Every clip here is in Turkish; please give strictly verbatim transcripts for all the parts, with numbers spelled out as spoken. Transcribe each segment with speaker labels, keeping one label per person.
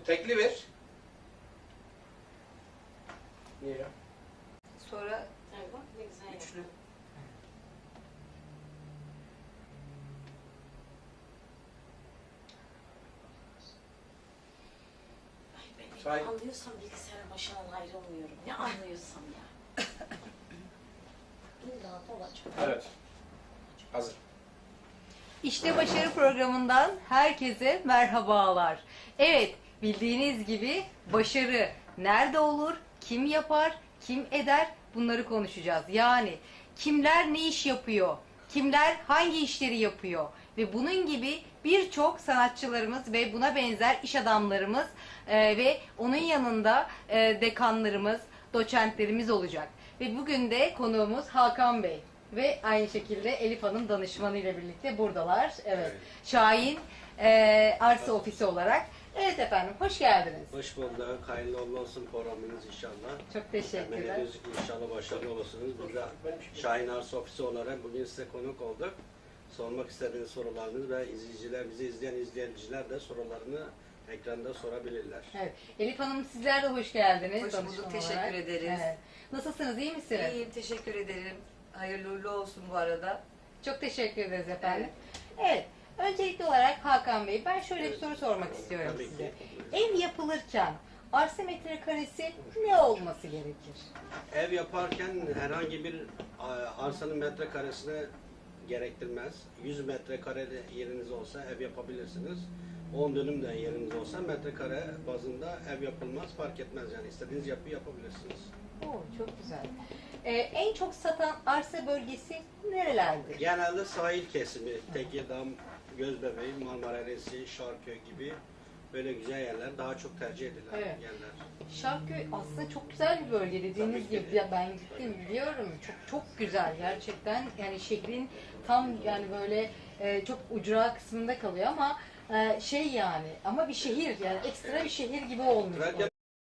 Speaker 1: Tekli ver. Niye ya?
Speaker 2: Sonra
Speaker 3: Evet, bak ne güzel
Speaker 2: üçlü.
Speaker 3: yaptın. Ay ben
Speaker 1: Say.
Speaker 3: ne anlıyorsam bilgisayarın başından ayrılmıyorum. Ne anlıyorsam ya. İlla olacak.
Speaker 1: Evet. Hazır.
Speaker 4: İşte Başarı programından herkese merhabalar. Evet, bildiğiniz gibi başarı nerede olur, kim yapar, kim eder bunları konuşacağız. Yani kimler ne iş yapıyor, kimler hangi işleri yapıyor ve bunun gibi birçok sanatçılarımız ve buna benzer iş adamlarımız e, ve onun yanında e, dekanlarımız, doçentlerimiz olacak. Ve bugün de konuğumuz Hakan Bey. Ve aynı şekilde Elif Hanım danışmanı ile birlikte buradalar. Evet.
Speaker 5: Evet.
Speaker 4: Şahin e, Arsa Ofisi olarak. Evet efendim, hoş geldiniz.
Speaker 5: Hoş bulduk. Hayırlı uğurlu olsun programınız inşallah.
Speaker 4: Çok teşekkürler.
Speaker 5: Temennileriniz inşallah başarılı olursunuz. Biz de Şahin Arsa Ofisi olarak bugün size konuk olduk. Sormak istediğiniz sorularınız ve izleyiciler, bizi izleyen izleyiciler de sorularını ekranda sorabilirler.
Speaker 4: Evet. Elif Hanım sizler de hoş geldiniz.
Speaker 2: Hoş
Speaker 4: danışman
Speaker 2: bulduk, teşekkür
Speaker 4: olarak.
Speaker 2: ederiz.
Speaker 4: Evet. Nasılsınız, iyi misiniz?
Speaker 2: İyiyim, teşekkür ederim. Hayırlı uğurlu olsun bu arada.
Speaker 4: Çok teşekkür ederiz efendim. Evet. Öncelikli olarak Hakan Bey, ben şöyle bir soru sormak istiyorum
Speaker 5: Tabii
Speaker 4: size.
Speaker 5: ki.
Speaker 4: Ev yapılırken arsa metrekaresi ne olması gerekir?
Speaker 5: Ev yaparken herhangi bir a, arsanın metrekaresine gerektirmez. yüz metrekare yeriniz olsa ev yapabilirsiniz. on dönüm de yeriniz olsa metrekare bazında ev yapılmaz, fark etmez yani istediğiniz yapıyı yapabilirsiniz.
Speaker 4: Oo, çok güzel. Ee, en çok satan arsa bölgesi nerelerdir?
Speaker 5: Genelde sahil kesimi, Tekirdağ, Gözbebeği, Marmara Eresi, Şarköy gibi böyle güzel yerler daha çok tercih edilen
Speaker 4: Evet.
Speaker 5: yerler.
Speaker 4: Şarköy aslında çok güzel bir bölge dediğiniz
Speaker 5: Tabii ki.
Speaker 4: gibi. Ya ben gittim biliyorum. Çok çok güzel gerçekten. Yani şehrin tam yani böyle e, çok ucra kısmında kalıyor ama e, şey yani ama bir şehir yani ekstra bir şehir gibi olmuş.
Speaker 5: Trakya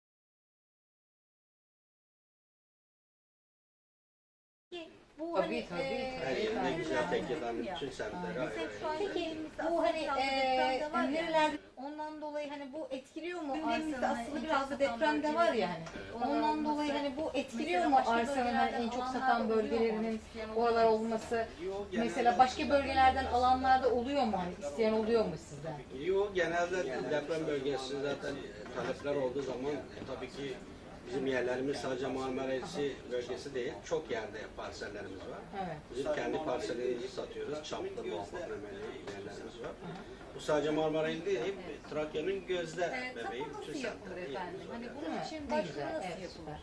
Speaker 4: Bu
Speaker 2: Tabii,
Speaker 4: hani,
Speaker 2: tabii,
Speaker 4: e,
Speaker 5: her yerinde
Speaker 4: nereler-
Speaker 5: güzel Tekirdağ'ın bütün semtleri ayrı ayrı.
Speaker 4: Peki bu hani e, nerelerde ondan dolayı hani bu etkiliyor mu arsanın aslında biraz da depremde var ya hani ondan dolayı hani bu etkiliyor mu arsanın hani en çok satan bölgelerinin oralar olması
Speaker 5: Yok, genelde-
Speaker 4: mesela başka bölgelerden alanlarda oluyor mu hani isteyen oluyor mu sizden?
Speaker 5: Yok, genelde deprem bölgesi zaten talepler olduğu zaman e, tabii ki bizim yerlerimiz sadece Marmara Eresi bölgesi değil, çok yerde parsellerimiz var.
Speaker 4: Evet.
Speaker 5: Bizim kendi parsellerimizi satıyoruz, çaplı, muvaffaknameli yerlerimiz var. Bu sadece Marmara il değil, Trakya'nın gözde bebeği, bütün semtleri yerimiz var.
Speaker 4: Hani
Speaker 5: yani.
Speaker 4: bunun için başvuru nasıl yapılır?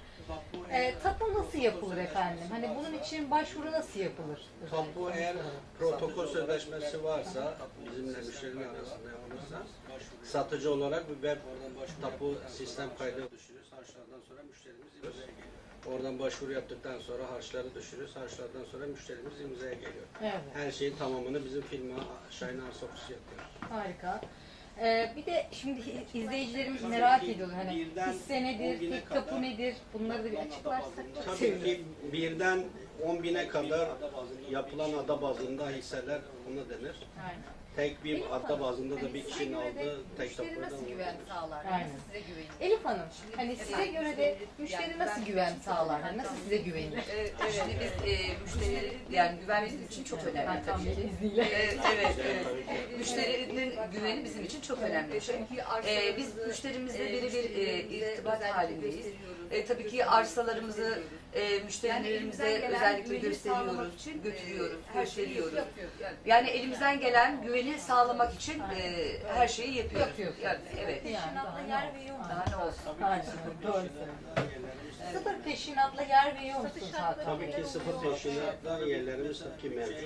Speaker 4: E, tapu nasıl yapılır efendim? Hani bunun için başvuru nasıl yapılır?
Speaker 5: Tapu eğer protokol sözleşmesi varsa, bizimle müşteriler arasında olursa, satıcı olarak bir web tapu sistem kaydı düşürürüz. Harçlardan sonra müşterimiz imzaya geliyor. Oradan başvuru yaptıktan sonra harçları düşürürüz. Harçlardan sonra müşterimiz imzaya geliyor.
Speaker 4: Evet.
Speaker 5: Her şeyin tamamını bizim firma Şahin Arsa Ofisi yapıyor.
Speaker 4: Harika. Ee, bir de şimdi izleyicilerimiz merak ediyorlar hani
Speaker 5: birden
Speaker 4: hisse nedir,
Speaker 5: on bine
Speaker 4: tek tapu
Speaker 5: kadar-
Speaker 4: nedir? Bunları da bir açıklarsak çok
Speaker 5: Tabii
Speaker 4: sevinirim.
Speaker 5: ki birden on bine kadar yapılan ada bazında hisseler ona denir.
Speaker 4: Aynen.
Speaker 5: Tek bir ada bazında da bir kişinin aldığı tek
Speaker 2: Müşteri
Speaker 5: tapuda
Speaker 2: nasıl
Speaker 5: ona
Speaker 2: güven
Speaker 5: denir.
Speaker 2: sağlar?
Speaker 4: Aynen.
Speaker 2: Nasıl size güvenir?
Speaker 4: Elif Hanım, hani size göre de müşteri nasıl güven sağlar? Hani nasıl size güvenir?
Speaker 2: Ee, Şimdi biz e, müşterileri, yani güven bizim için çok önemli
Speaker 4: Hakan
Speaker 2: tabii
Speaker 4: Bey'in
Speaker 2: ki.
Speaker 4: izniyle.
Speaker 2: Evet, evet, evet. Müşterinin güveni bizim için çok önemli bir şey. Ee, biz müşterimizle birebir e, irtibat halindeyiz. E, tabii ki arsalarımızı e, müşterilerimize özellikle gösteriyoruz, götürüyoruz, gösteriyoruz. Yani elimizden gelen güveni sağlamak için e, her şeyi yapıyoruz.
Speaker 4: Yapıyoruz.
Speaker 2: Yani, evet.
Speaker 4: Yani daha ne olsun?
Speaker 2: Daha ne olsun?
Speaker 4: Harika, doğru söylüyorsun. Sıfır peşinatla yer veriyor musunuz Hakan
Speaker 5: Tabii
Speaker 4: Bey?
Speaker 5: ki sıfır peşinatlar yerlerimiz tabii ki mevcut.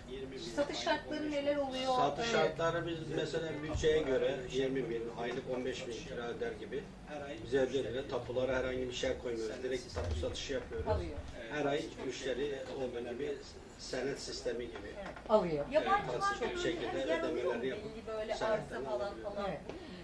Speaker 4: Satış şartları neler oluyor?
Speaker 5: Satış
Speaker 4: Evet.
Speaker 5: şartları biz mesela bütçeye göre yirmi bin, aylık on beş bin kira öder gibi bize ödüyor. Tapulara herhangi bir şey koymuyoruz. Direkt tapu satışı yapıyoruz.
Speaker 4: Alıyor.
Speaker 5: Her ay müşteri olduğu gibi senet sistemi gibi.
Speaker 4: Alıyor.
Speaker 5: Evet, basit bir şekilde ödemelerini yapıp
Speaker 4: böyle
Speaker 5: senetten
Speaker 4: arsa falan
Speaker 5: alabiliyor.
Speaker 4: falan. Evet.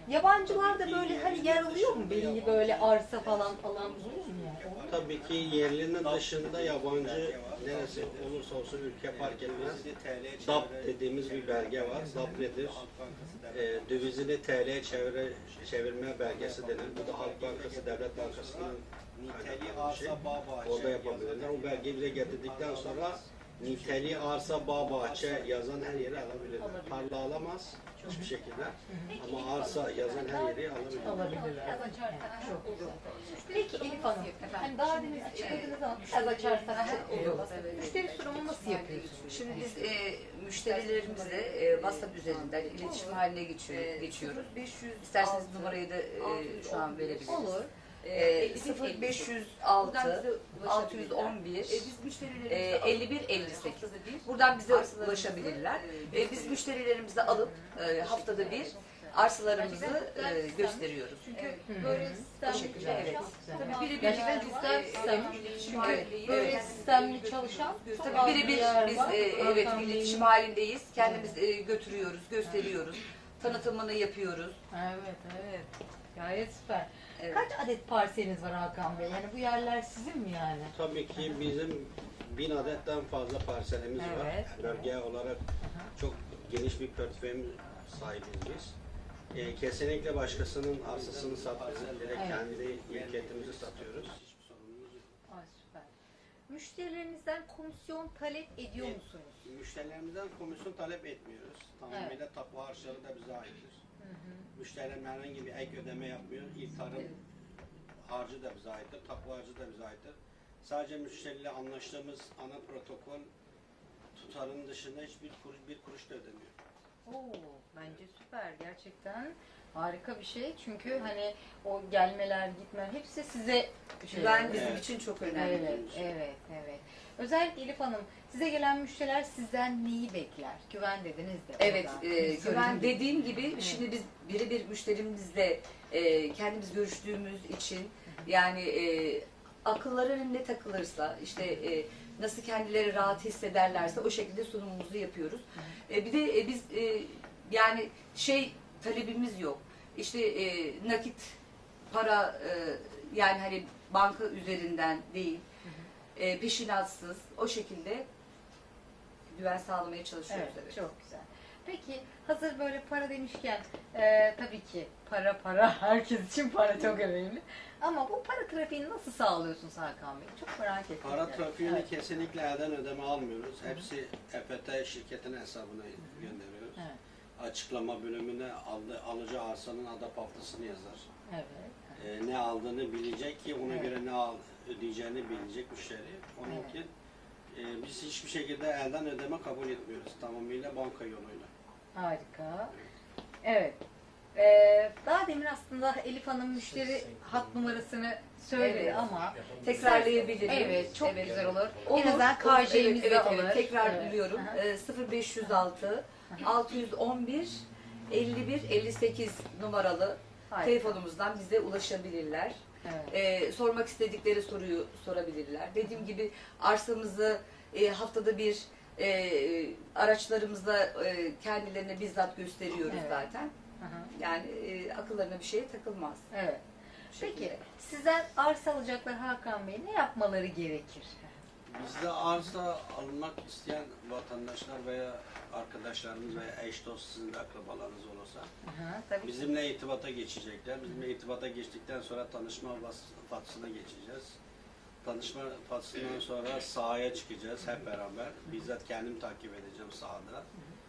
Speaker 4: Yabancılar da böyle hani yer alıyor mu? Belli böyle arsa falan falan buluyor mu yani?
Speaker 5: Tabii ki yerlinin dışında yabancı neresi olursa olsun ülke fark etmez. D A P dediğimiz bir belge var. D A P nedir? E, dövizini T L'ye çevire, çevirme belgesi denen. Bu da Halk Bankası, Devlet Bankası'nın kaynaklanan bir şey. Orada yapabilirler. O belgeyi bize getirdikten sonra niteliği arsa, bağ, bahçe yazan her yeri alabilirler. Tarla alamaz hiçbir şekilde. Ama arsa yazan her yeri alabilirler.
Speaker 4: Alabilirler. Çok güzel. Peki Elif Hanım, hani daha demin açıkladığınız zaman biraz açarsanız çok iyi olur. Müşteri sunumu nasıl yapıyorsunuz?
Speaker 2: Şimdi biz e, müşterilerimizle e, WhatsApp üzerinden iletişim haline geçiyor, geçiyoruz. İsterseniz numarayı da e, şu an verebiliriz.
Speaker 4: Olur.
Speaker 2: E, sıfır beş yüz altı altı yüz on bir e, elli bir elli sekiz. Buradan bize ulaşabilirler. E, biz müşterilerimizi alıp e, haftada bir arsalarımızı e, gösteriyoruz.
Speaker 4: Çünkü böyle
Speaker 2: Bu şekilde, evet.
Speaker 4: Tabii biri gerçekten güzel sistem. Çünkü böyle sistemli çalışan çok az
Speaker 2: Tabii
Speaker 4: bir
Speaker 2: birebir
Speaker 4: yer
Speaker 2: biz
Speaker 4: var.
Speaker 2: e, evet
Speaker 4: Hakan
Speaker 2: iletişim
Speaker 4: Bey'in-
Speaker 2: halindeyiz. Kendimiz e, götürüyoruz, gösteriyoruz. Tanıtımını yapıyoruz.
Speaker 4: Evet, evet. Gayet süper.
Speaker 2: Evet.
Speaker 4: Kaç adet parseliniz var Hakan Bey? Yani bu yerler sizin mi yani?
Speaker 5: Tabii ki bizim bin adetten fazla parselimiz var.
Speaker 4: Evet.
Speaker 5: Bölge olarak çok geniş bir portföyümüz sahibiz biz. Ee, kesinlikle başkasının arsasını satmıyoruz. Direkt
Speaker 4: Evet.
Speaker 5: kendi mülkiyetimizi satıyoruz. Hiçbir sorunumuz yok.
Speaker 4: Ay süper. Müşterilerinizden komisyon talep ediyor
Speaker 5: Evet.
Speaker 4: musunuz?
Speaker 5: Müşterilerimizden komisyon talep etmiyoruz. Tamamıyla tapu harçları da bize aittir. Müşterilerim herhangi bir ek ödeme yapmıyor. İlk tarım harcı da bize aittir. Tapu harcı da bize aittir. Sadece müşteriyle anlaştığımız ana protokol tutarının dışında hiçbir kuruş, bir kuruş da ödemiyor.
Speaker 4: Oo, bence süper. Gerçekten harika bir şey. Çünkü hani o gelmeler, gitmeler hepsi size şey
Speaker 2: Güven
Speaker 4: oluyor.
Speaker 2: bizim
Speaker 5: Evet.
Speaker 2: için çok önemli.
Speaker 4: Evet, evet, evet. Özellikle Elif Hanım, size gelen müşteriler sizden neyi bekler? Güven dediniz de.
Speaker 2: Evet,
Speaker 4: orada.
Speaker 2: e, güven
Speaker 4: Söyledim.
Speaker 2: dediğim gibi şimdi biz birebir müşterimizle e, kendimiz görüştüğümüz için yani e, akılları ne takılırsa işte e, nasıl kendileri rahat hissederlerse o şekilde sunumumuzu yapıyoruz. E, bir de e, biz e, yani şey talebimiz yok. İşte e, nakit para e, yani hani banka üzerinden değil e, peşinatsız o şekilde güven sağlamaya çalışıyoruz.
Speaker 4: Evet,
Speaker 2: Evet.
Speaker 4: çok güzel. Peki hazır böyle para demişken e, tabii ki para para herkes için para çok önemli. Ama bu para trafiğini nasıl sağlıyorsunuz Hakan Bey? Çok merak ettim.
Speaker 5: Para
Speaker 4: yani.
Speaker 5: trafiğini
Speaker 4: Evet.
Speaker 5: kesinlikle elden ödeme almıyoruz. Hepsi E F T şirketinin hesabına gönderiyoruz.
Speaker 4: Evet.
Speaker 5: Açıklama bölümüne aldı, alıcı arsanın ada paftasını yazar.
Speaker 4: Evet.
Speaker 5: Ee, ne aldığını bilecek ki ona
Speaker 4: Evet.
Speaker 5: göre ne al, ödeyeceğini bilecek müşteri. Onun
Speaker 4: Evet.
Speaker 5: için e, biz hiçbir şekilde elden ödeme kabul etmiyoruz. Tamamıyla banka yoluyla.
Speaker 4: Harika. Evet. Ee, daha demin aslında Elif Hanım müşteri hat numarasını söyledi
Speaker 2: Evet.
Speaker 4: ama
Speaker 2: Tekrarlayabilirim.
Speaker 4: evet çok
Speaker 2: Evet.
Speaker 4: güzel olur.
Speaker 2: Olur.
Speaker 4: En azından K J'miz
Speaker 2: evet,
Speaker 4: de
Speaker 2: evet,
Speaker 4: alır.
Speaker 2: evet. Tekrarlıyorum.
Speaker 4: Evet.
Speaker 2: Ee, sıfır beş yüz altı altı yüz on bir elli bir elli sekiz numaralı
Speaker 4: Harika.
Speaker 2: telefonumuzdan bize ulaşabilirler.
Speaker 4: Evet.
Speaker 2: Ee, sormak istedikleri soruyu sorabilirler. Dediğim gibi arsamızı e, haftada bir e, araçlarımızla e, kendilerine bizzat gösteriyoruz
Speaker 4: Evet.
Speaker 2: zaten.
Speaker 4: Hı hı.
Speaker 2: Yani e, akıllarına bir şey takılmaz.
Speaker 4: Evet.
Speaker 2: Bu
Speaker 4: Peki
Speaker 2: şekilde.
Speaker 4: sizden arsa alacaklar Hakan Bey ne yapmaları gerekir?
Speaker 5: Bizde arsa almak isteyen vatandaşlar veya arkadaşlarımız veya eş dost sizin de akrabalarınız olursa
Speaker 4: Hı hı, tabii ki.
Speaker 5: bizimle irtibata geçecekler. Bizimle irtibata geçtikten sonra tanışma vas- faslına geçeceğiz. Tanışma faslından sonra sahaya çıkacağız hep beraber. Bizzat kendim takip edeceğim sahada.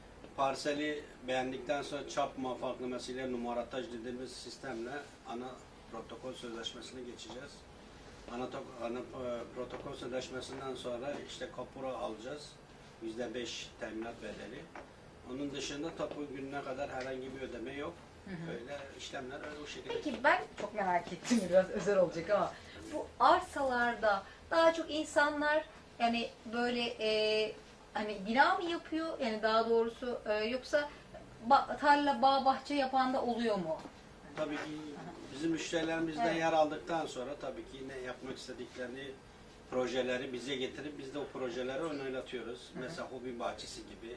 Speaker 5: Parseli beğendikten sonra çap muvaffaknameyle numarataj dediğimiz sistemle ana protokol sözleşmesine geçeceğiz. Ana, to- ana e, protokol sözleşmesinden sonra işte kapura alacağız. yüzde beş teminat bedeli. Onun dışında tapu gününe kadar herhangi bir ödeme yok. Böyle işlemler öyle o şekilde.
Speaker 4: Peki ben çok merak ettim biraz özel olacak ama bu arsalarda daha çok insanlar yani böyle e, hani bina mı yapıyor yani daha doğrusu e, yoksa ba- tarla bağ bahçe yapan da oluyor mu?
Speaker 5: Tabii ki bizim müşterilerimizden
Speaker 4: Evet.
Speaker 5: yer aldıktan sonra tabii ki ne yapmak istediklerini projeleri bize getirip biz de o projeleri onaylatıyoruz. Mesela hobi bahçesi gibi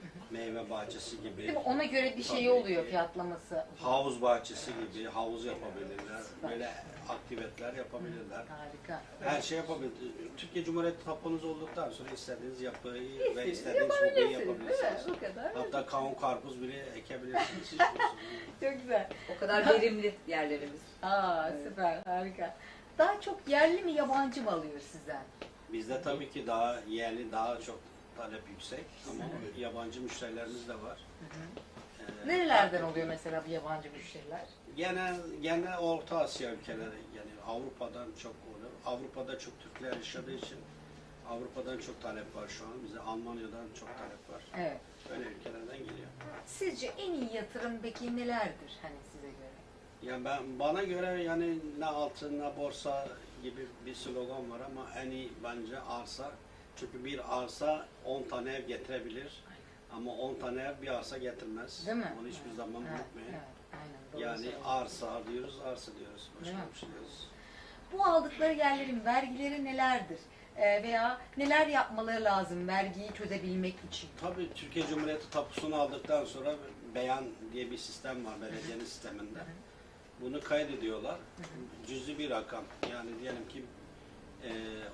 Speaker 5: meyve bahçesi gibi,
Speaker 4: Değil mi? Ona göre bir şey
Speaker 5: Tabii
Speaker 4: oluyor
Speaker 5: ki.
Speaker 4: fiyatlaması.
Speaker 5: havuz bahçesi gibi havuz yapabilirler, böyle aktiviteler yapabilirler.
Speaker 4: Harika.
Speaker 5: Her şey yapabilir. Türkiye Cumhuriyeti tapunuz olduktan sonra istediğiniz yapıyı ve
Speaker 2: İstediğiniz
Speaker 5: istediğiniz hobiyi
Speaker 2: yapabilirsiniz, değil mi?
Speaker 5: yapabilirsiniz.
Speaker 2: Bu kadar.
Speaker 5: Hatta kavun karpuz bile ekebilirsiniz. Hiç sorun değil.
Speaker 4: Çok güzel.
Speaker 2: O kadar verimli yerlerimiz.
Speaker 4: Aa
Speaker 2: Evet.
Speaker 4: süper, harika. Daha çok yerli mi yabancı mı alıyor sizden?
Speaker 5: Bizde tabii ki daha yerli, daha çok talep yüksek ama yabancı müşterilerimiz de var. Ee,
Speaker 4: Nerelerden oluyor mesela bu yabancı müşteriler?
Speaker 5: Genel, genel Orta Asya ülkeleri, yani Avrupa'dan çok oluyor. Avrupa'da çok Türkler yaşadığı için Avrupa'dan çok talep var şu an. Bize Almanya'dan çok talep var.
Speaker 4: Evet.
Speaker 5: Öyle ülkelerden geliyor.
Speaker 4: Sizce en iyi yatırım peki nelerdir hani size göre?
Speaker 5: Yani ben bana göre yani ne altın ne borsa gibi bir slogan var ama en iyi bence arsa. Çünkü bir arsa on tane ev getirebilir. Ama on tane ev bir arsa getirmez.
Speaker 4: Değil mi?
Speaker 5: Onu hiçbir zaman
Speaker 4: Evet,
Speaker 5: unutmayın.
Speaker 4: evet, aynen, doğru
Speaker 5: Yani
Speaker 4: söylüyorsun.
Speaker 5: arsa diyoruz, arsa diyoruz. Başka
Speaker 4: Değil mi?
Speaker 5: bir şey diyoruz.
Speaker 4: Bu aldıkları yerlerin vergileri nelerdir? Ee, veya neler yapmaları lazım vergiyi çözebilmek için?
Speaker 5: Tabii Türkiye Cumhuriyeti tapusunu aldıktan sonra beyan diye bir sistem var belediyenin sisteminde. Bunu kaydediyorlar. Cüzi bir rakam. Yani diyelim ki e,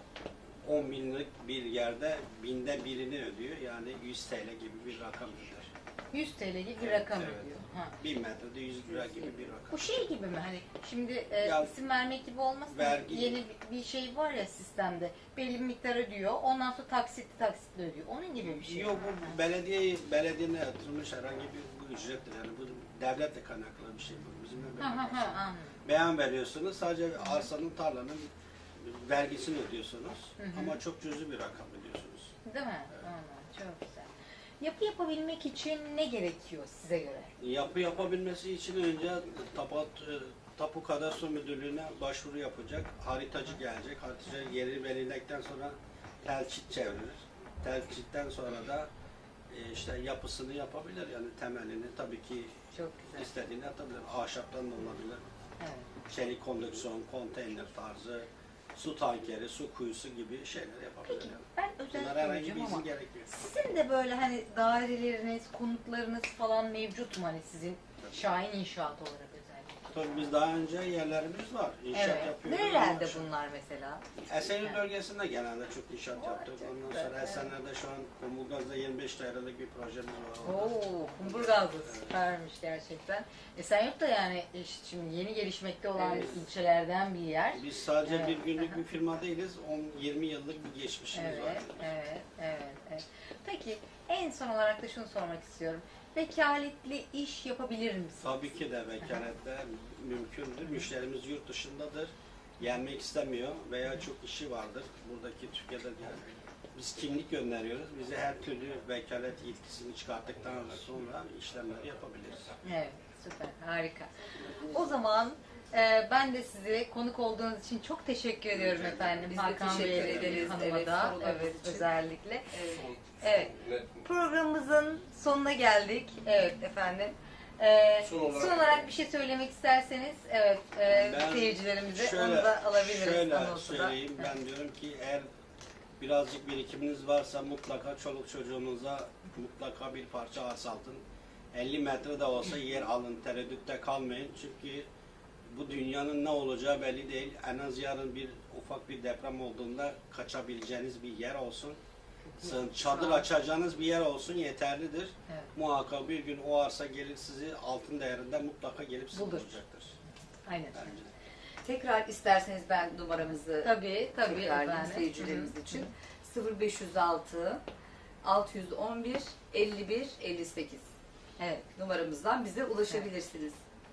Speaker 5: on binlik bir yerde binde birini ödüyor. Yani yüz T L gibi bir rakam öder.
Speaker 4: yüz T L gibi bir
Speaker 5: Evet,
Speaker 4: rakam
Speaker 5: evet.
Speaker 4: ödüyor. Ha.
Speaker 5: bin metrede yüz lira gibi bir rakam.
Speaker 4: Bu şey gibi mi hani şimdi e,
Speaker 5: Ya,
Speaker 4: isim vermek gibi olmasın
Speaker 5: vergi-
Speaker 4: yeni bir- bir şey var ya sistemde belli bir miktar ödüyor ondan sonra taksitli taksitli ödüyor onun gibi bir şey.
Speaker 5: Yok bu belediye belediyenin yatırılmış herhangi bir bu ücrettir. Yani bu devletle kaynaklı bir şey bu. Bizimle
Speaker 4: Ha ha
Speaker 5: alakası
Speaker 4: ha
Speaker 5: yok.
Speaker 4: anladım.
Speaker 5: Beyan veriyorsunuz. Sadece arsanın, tarlanın vergisini ödüyorsunuz.
Speaker 4: Hı hı.
Speaker 5: Ama çok cüzi bir rakam ödüyorsunuz.
Speaker 4: Değil mi? Tamam, çok güzel. Yapı yapabilmek için ne gerekiyor size göre?
Speaker 5: Yapı yapabilmesi için önce tapu, tapu kadastro müdürlüğüne başvuru yapacak. Haritacı gelecek. Haritacı yeri belirledikten sonra telçit çevirir. Telçitten sonra da e, işte yapısını yapabilir. Yani temelini tabii ki
Speaker 4: Çok güzel.
Speaker 5: istediğini atabilir. Ahşaptan da olabilir.
Speaker 4: Evet.
Speaker 5: Çelik kondüksiyon, konteyner tarzı, su tankeri, su kuyusu gibi şeyler yapabilir.
Speaker 4: Peki
Speaker 5: Yani.
Speaker 4: ben özel
Speaker 5: Bunlara herhangi bir
Speaker 4: soracağım
Speaker 5: izin
Speaker 4: ama
Speaker 5: gerekmiyor.
Speaker 4: sizin de böyle hani daireleriniz, konutlarınız falan mevcut mu hani sizin Şahin İnşaat olarak özellikle?
Speaker 5: Tabii biz daha önce yerlerimiz var. İnşaat
Speaker 4: Evet.
Speaker 5: yapıyoruz.
Speaker 4: Nerelerde
Speaker 5: Ama-
Speaker 4: bunlar mesela?
Speaker 5: Esenyurt bölgesinde genelde çok inşaat yaptık.
Speaker 4: çok
Speaker 5: Ondan
Speaker 4: güzel,
Speaker 5: sonra
Speaker 4: evet.
Speaker 5: Esenler'de şu an Kumburgaz'da yirmi beş dairelik bir projemiz var. orada.
Speaker 4: Oo, Kumburgaz'da süpermiş gerçekten. Esenyurt da yani işte şimdi yeni gelişmekte olan
Speaker 5: Evet.
Speaker 4: ilçelerden bir yer.
Speaker 5: Biz sadece
Speaker 4: Evet.
Speaker 5: bir günlük bir firma değiliz. on yirmi yıllık bir geçmişimiz var.
Speaker 4: Evet, evet, evet, evet. Peki en son olarak da şunu sormak istiyorum. Vekaletli iş yapabilir misiniz?
Speaker 5: Tabii ki de vekalette mümkündür. Müşterimiz yurt dışındadır. Gelmek istemiyor veya çok işi vardır. Buradaki Türkiye'de yani biz kimlik gönderiyoruz. Bize her türlü vekalet yetkisini çıkarttıktan sonra işlemleri yapabiliriz.
Speaker 4: Evet, süper, harika. O zaman e, ben de size konuk olduğunuz için çok teşekkür ediyorum efendim.
Speaker 2: Biz de
Speaker 4: Hakan
Speaker 2: teşekkür
Speaker 4: Bey'e,
Speaker 2: ederiz.
Speaker 4: Hanım'a
Speaker 2: Evet,
Speaker 4: da,
Speaker 2: sorularınız
Speaker 4: evet,
Speaker 2: için.
Speaker 4: özellikle.
Speaker 2: Evet.
Speaker 4: Evet, programımızın sonuna geldik. Evet efendim. Ee,
Speaker 1: Son olarak-
Speaker 4: son olarak bir şey söylemek isterseniz, evet, e,
Speaker 5: Ben
Speaker 4: seyircilerimize
Speaker 5: şöyle,
Speaker 4: onu da alabiliriz.
Speaker 5: Şöyle
Speaker 4: anonsu da.
Speaker 5: söyleyeyim, ben diyorum ki eğer birazcık birikiminiz varsa mutlaka çoluk çocuğunuza mutlaka bir parça arsa alın. elli metre de olsa yer alın, tereddütte kalmayın. Çünkü bu dünyanın ne olacağı belli değil. En az yarın bir ufak bir deprem olduğunda kaçabileceğiniz bir yer olsun. Sığın- Çadır açacağınız bir yer olsun yeterlidir.
Speaker 4: Evet.
Speaker 5: Muhakkak bir gün o arsa gelir sizi altın değerinde mutlaka gelip sizi
Speaker 4: Bulur.
Speaker 5: bulacaktır.
Speaker 4: Aynen.
Speaker 5: Bence.
Speaker 2: Tekrar isterseniz ben numaramızı
Speaker 4: Tabii, tabii
Speaker 2: tekrarlayayım
Speaker 4: efendim.
Speaker 2: seyircilerimiz
Speaker 4: Hı hı.
Speaker 2: için. sıfır beş yüz altı altı yüz on bir elli bir elli sekiz
Speaker 4: Evet.
Speaker 2: numaramızdan bize ulaşabilirsiniz.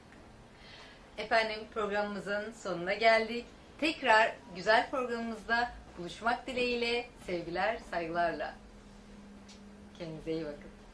Speaker 4: Efendim programımızın sonuna geldik. Tekrar güzel programımızda buluşmak dileğiyle sevgiler, saygılarla. Kendinize iyi bakın.